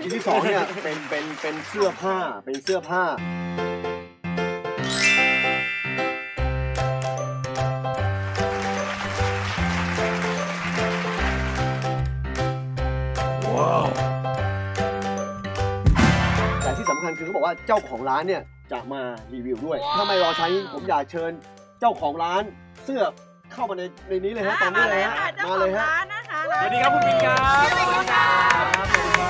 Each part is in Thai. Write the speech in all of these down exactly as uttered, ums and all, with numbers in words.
ชิ้นที่สองเนี่ยเป็นเป็นเป็นเสื้อผ้าเป็นเสื้อผ้าว้าวแต่ที่สำคัญคือเขาบอกว่าเจ้าของร้านเนี่ยจะมารีวิวด้วยถ้าไม่รอใช้ผมอยากเชิญเจ้าของร้านเสื้อเข้ามาในในนี้เลยฮะตอนนี้เลยฮะมาเลยฮะสวัสดีครับคุณปิ่นครับสวัสดีครับสวัสดี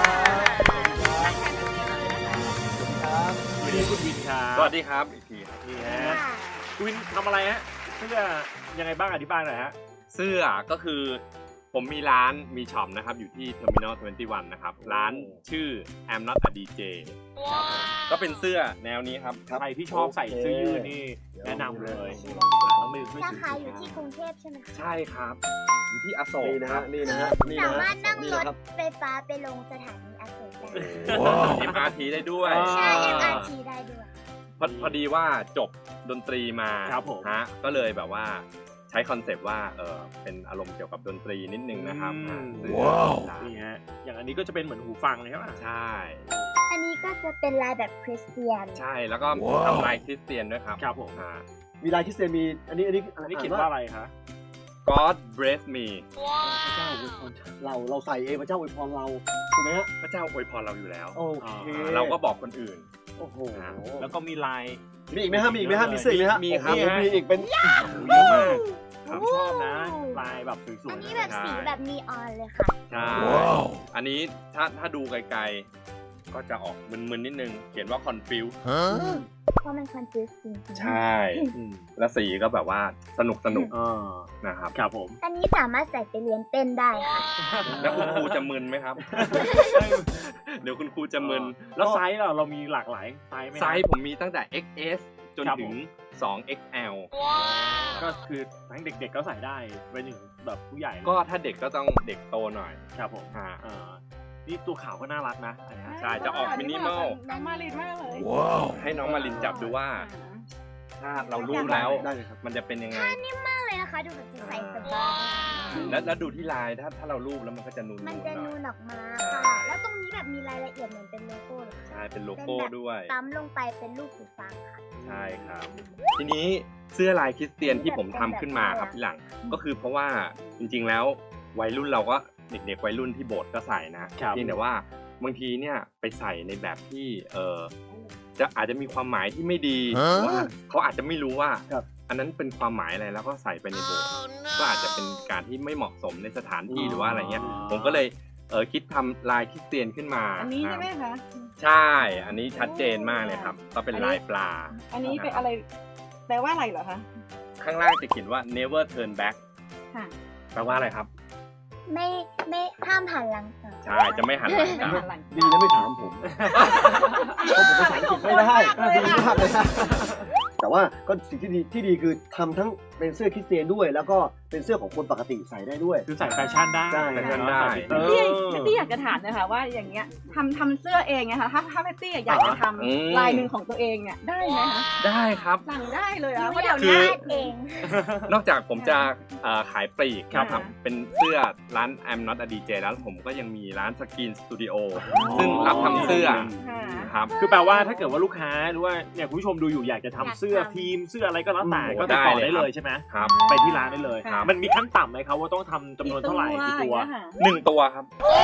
ครับสวัสดีคุณวินครับสวัสดีครับอีกทีครับนี่ฮะคุณวินทำอะไรฮะเสื้อยังไงบ้างอธิบายหน่อยฮะเสื้อก็คือผมมีร้านมีช็อปนะครับอยู่ที่ Terminal ยี่สิบเอ็ด นะครับร้านชื่อ I'm Not a ดี เจ ก็เป็นเสื้อแนวนี้ครับใครที่ชอบใส่เสื้อยืดนี่แนะนำเลยราคาอยู่ที่กรุงเทพใช่ไหมคะใช่ครับอยู่ที่อโศกนี่นะฮะนี่นะฮะสามารถนั่งรถไฟฟ้าไปลงสถานีอโศกได้เอ็ม อาร์ ที ได้ด้วยใช่ เอ็ม อาร์ ที ได้ด้วยพอพอดีว่าจบดนตรีมาครับผมฮะก็เลยแบบว่าใช้คอนเซปต์ว่าเออเป็นอารมณ์เกี่ยวกับดนตรีนิดนึงนะครับว้าวนี่ฮะอย่างอันนี้ก็จะเป็นเหมือนหูฟังเลยครับใช่อันนี้ก็จะเป็นลายแบบคริสเตียนใช่แล้วก็ทำลายคริสเตียนด้วยครับครับผมมีลายคริสเตียนมีอันนี้อันนี้อันนี้เขียนว่าอะไรคะ God bless me พระเจ้าอวยพรเราเราใส่เองพระเจ้าอวยพรเราถูกไหมฮะพระเจ้าอวยพรเราอยู่แล้วโอเคเราก็บอกคนอื่นโอ้โหแล้วก็มีลายมีอีกไหมฮะมีอีกไหมฮะมีเสื้อไหมฮะมีครับมีอีกเป็นเยอะมากผมชอบนะลายแบบสวยๆอันนี้แบบสีแบบนีออนเลยค่ะใช่อันนี้ถ้าถ้าดูไกลๆก็จะออกมึนๆนิดนึงเขียนว่า confuse เพราะมัน confuse จริงใช่แล้วสีก็แบบว่าสนุกสนุกนะครับครับผมอันนี้สามารถใส่ไปเรียนเต้นได้ค่ะแล้วคุณครูจะมึนไหมครับเดี๋ยวคุณครูจะมึนแล้วไซส์เราเรามีหลากหลายไซส์ไหมไซส์ผมมีตั้งแต่ เอ็กซ์ เอส จนถึงสอง เอ็กซ์ แอลก็คือทั้งเด็กๆก็ใส่ได้ไปถึงแบบผู้ใหญ่ก็ถ้าเด็กก็ต้องเด็กโตหน่อยครับผมนี่ตัวขาวก็น่ารักนะใช่จะออกมินิมอลน้องมาลินมากเลยให้น้องมาลินจับดูว่าถ้าเรารู้แล้วมันจะเป็นยังไงนิ่มมากเลยนะคะดูแบบใส่สบายแล้วแล้วดูที่ลายถ้าถ้าเรารูปแล้วมันก็จะนูนมันจะนูนออกมาค่ะแล้วตรงนี้แบบมีรายละเอียดเหมือนเป็นโลโก้เลยใช่เป็นโลโก้ด้วยตั้มลงไปเป็นรูปหูฟังค่ะใช่ครับทีนี้เสื้อลายคริสเตียนที่ผมทำขึ้นมาครับพี่หลังก็คือเพราะว่าจริงๆแล้ววัยรุ่นเราก็เด็กๆวัยรุ่นที่โบสถ์ก็ใส่นะเพียงแต่ว่าบางทีเนี่ยไปใส่ในแบบที่เออจะอาจจะมีความหมายที่ไม่ดีว่าเขาอาจจะไม่รู้ว่าอันนั้นเป็นความหมายอะไรแล้วก็ใส่ไปในโบสถ์ก็อาจจะเป็นการที่ไม่เหมาะสมในสถานที่หรือว่าอะไรเงี้ยผมก็เลยเออคิดทำลายคริสเตียนขึ้นมาอันนี้ใช่ไหมคะใช่อันนี้ชัดเจนมากเลยครับก็เป็นลายปลาอันนี้เป็นอะไรแปลว่าอะไรเหรอคะข้างล่างจะเขียนว่า never turn back แปลว่าอะไรครับไม่ไม่ห้ามหันหลังใช่จะไม่หันหลังดีนะไม่ถามผมเพราะผมภาษาอังกฤษไม่ได้ดีมากเลยแต่ว่าก็สิ่งที่ดีที่ดีคือทำทั้งเป็นเสื้อคริสเตียนด้วยแล้วก็เป็นเสื้อของคนปกติใส่ได้ด้วยคือใส่แฟชั่นได้แฟชั่นได้พี่พี่อยากจะถามนะคะว่าอย่างเงี้ยทำทำเสื้อเองไงคะถ้าถ้าพี่อยากจะทำลายหนึ่งของตัวเองเนี่ยได้ไหมคะได้ครับสั่งได้เลยอ่ะเพราะเดี๋ยวนี้เองนอกจากผมจะขายปลีกครับเป็นเสื้อร้าน I'm Not a ดี เจ แล้วผมก็ยังมีร้านสกรีนสตูดิโอซึ่งรับทำเสื้อครับคือแปลว่าถ้าเกิดว่าลูกค้าหรือว่าเนี่ยคุณผู้ชมดูอยู่อยากจะทำเสื้อทีมเสื้ออะไรก็แล้วแต่ก็ติดต่อได้เลยใช่ไหมครับไปที่ร้านได้เลยมันมีขั้นต่ำไหมครับว่าต้องทำจำนวนเท่าไหร่กี่ตัวหนึ่งตัวครับ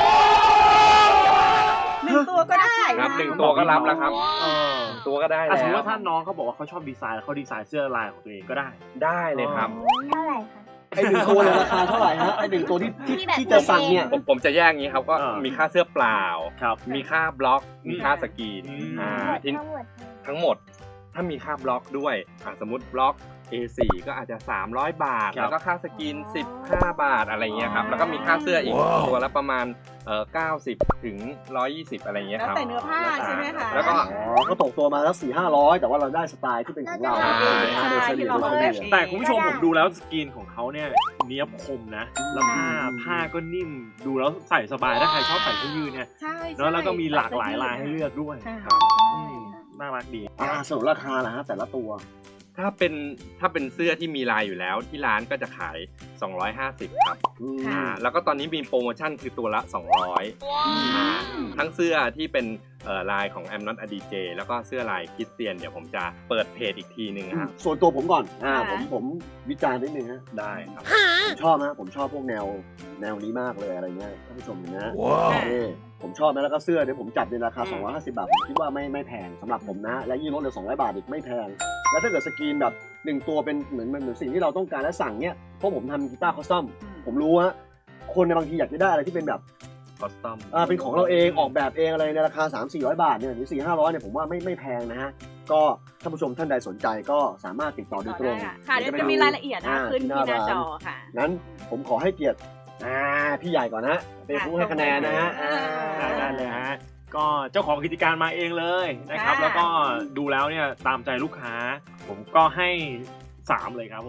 หนึ่งตัวก็ได้ครับหนึ่งตัวก็รับแล้วครับตัวก็ได้แล้วสมมติว่าถ้าน้องเขาบอกว่าเขาชอบดีไซน์เขาดีไซน์เสื้อลายของตัวเองก็ได้ได้เลยครับเท่าไหร่คะไอหนึ่งตัวเนี่ยราคาเท่าไหร่ฮะไอหนึ่งตัวที่ที่จะสั่งเนี่ยผมผมจะแยกงี้ครับก็มีค่าเสื้อเปล่าครับมีค่าบล็อกมีค่าสกรีนอ่าทั้งหมดถ้ามีค่าบล็อกด้วยสมมติบล็อก เอ สี่ ก็อาจจะสามร้อยบาทแล้วก็ค่าสกรีนสิบห้าบาทอะไรเงี้ยครับแล้วก็มีค่าเสื้ออีกตัวละประมาณเอ่อเก้าสิบถึงหนึ่งร้อยยี่สิบอะไรเงี้ยครับแล้วแต่เนื้อผ้าใช่ไหมคะแล้วก็อ๋อก็ตกตัวมาแล้ว สี่ห้าร้อย แต่ว่าเราได้สไตล์ที่เป็นของเราแต่คุณผู้ชมผมดูแล้วสกรีนของเขาเนี่ยเนี้ยบคมนะแล้วผ้าผ้าก็นิ่มดูแล้วใส่สบายถ้าใครชอบใส่เสื้อยืดเนี่ยแล้วแล้วก็มีหลากหลายลายให้เลือกด้วยน่ารักดีอ่าส่วนราคาล่ะฮะแต่ละตัวถ้าเป็นถ้าเป็นเสื้อที่มีลายอยู่แล้วที่ร้านก็จะขายสองร้อยห้าสิบครับอืมอ่าแล้วก็ตอนนี้มีโปรโมชั่นคือตัวละสองร้อยอ่าทั้งเสื้อที่เป็นเอ่อลายของ I'm Not a ดี เจ แล้วก็เสื้อลายคริสเตียนเดี๋ยวผมจะเปิดเพจอีกทีหนึ่งครับส่วนตัวผมก่อนอ่าผค่ะมผมวิจารณ์นิดนึงฮะได้ครับผมชอบนะผมชอบพวกแนวแนวนี้มากเลยอะไรเงี้ยท่านผู้ชมเห็นนะนี่ผมชอบนะแล้วก็เสื้อเนี่ยผมจับในราคา สองร้อยห้าสิบบาทผมคิดว่าไม่ไม่แพงสำหรับผมนะ และยิ่งลดเหลือสองร้อยบาทอีกไม่แพง แล้วถ้าเกิดสกรีนแบบหนึ่งตัวเป็นเหมือนเหมือนสิ่งที่เราต้องการและสั่งเนี่ยเพราะผมทำกีตาร์คอสตอมผมรู้ว่าคนในบางทีอยากจะได้อะไรที่เป็นแบบคอสตอมอ่าเป็นของเราเองออกแบบเองอะไรในราคา สามถึงสี่ร้อย บาทเนี่ยหรือสี่ห้าร้อยเนี่ยผมว่าไม่ไม่แพงนะฮะก็ท่านผู้ชมท่านใดสนใจก็สามารถติดต่อโดยตรงได้ค่ะค่ะเดี๋ยวจะมีรายละเอียดนะคะขึ้นที่หน้าจอค่ะงั้นผมขอให้เกียรติอ่าพี่ใหญ่ก่อนนะเป็นผู้ให้คะแนนนะฮะอ่าได้ได้เลยฮะก็เจ้าของกิจการมาเองเลยนะครับค่ะแล้วก็ดูแล้วเนี่ยตามใจลูกค้า ผมก็ให้สามเลยครับผม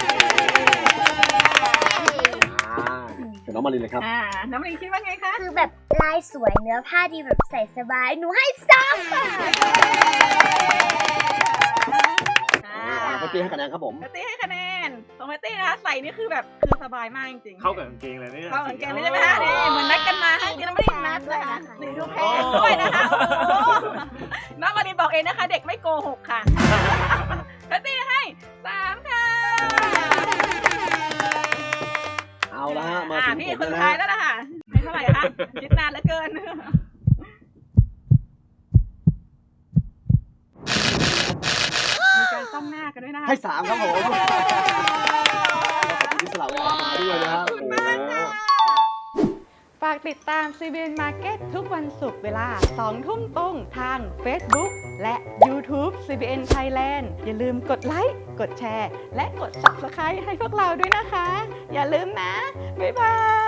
อ่าเดี๋ยวน้องมาลินเลยครับอ่าน้ำลิงคิดว่าไงคะคือแบบลายสวยเนื้อผ้าดีแบบใส่สบาย หนูให้สามค่ะอ่าอ่าปตี้ให้คะแนนครับผมแพตตี้ให้คะแนนของแพตตี้นะคะใส่นี่คือแบบคือสบายมากจริงๆเข้ากับกางเกงเลยเนี่ยเข้ากับกางเกงเลยใช่ไหมคะนี่เหมือนนัดกันมาค่ะจริงๆเราไม่ได้นัดเลยค่ะนี่ดูแพงด้วยนะคะโอ้โหน้องมารินบอกเองนะคะ เด็กไม่โกหกค่ะแพตตี้ให้สามค่ะเอาละฮะมาอ่าถึงพี่ผมคนแล้วสุดท้ายนะแล้วนะคะให้เท่าไหร่คะคิดนานเหลือเกินมีการจ้องหน้ากันด้วยนะคะให้สามครับผมขอบคุณที่สละเวลามาด้วยนะฮะโอ้โหฝากติดตาม ซี บี เอ็น Market ทุกวันศุกร์เวลา สอง ทุ่มตรงทาง Facebook และ YouTube ซี บี เอ็น Thailand อย่าลืมกดไลค์ กดแชร์ และกด Subscribe ให้พวกเราด้วยนะคะ อย่าลืมนะ บ๊ายบาย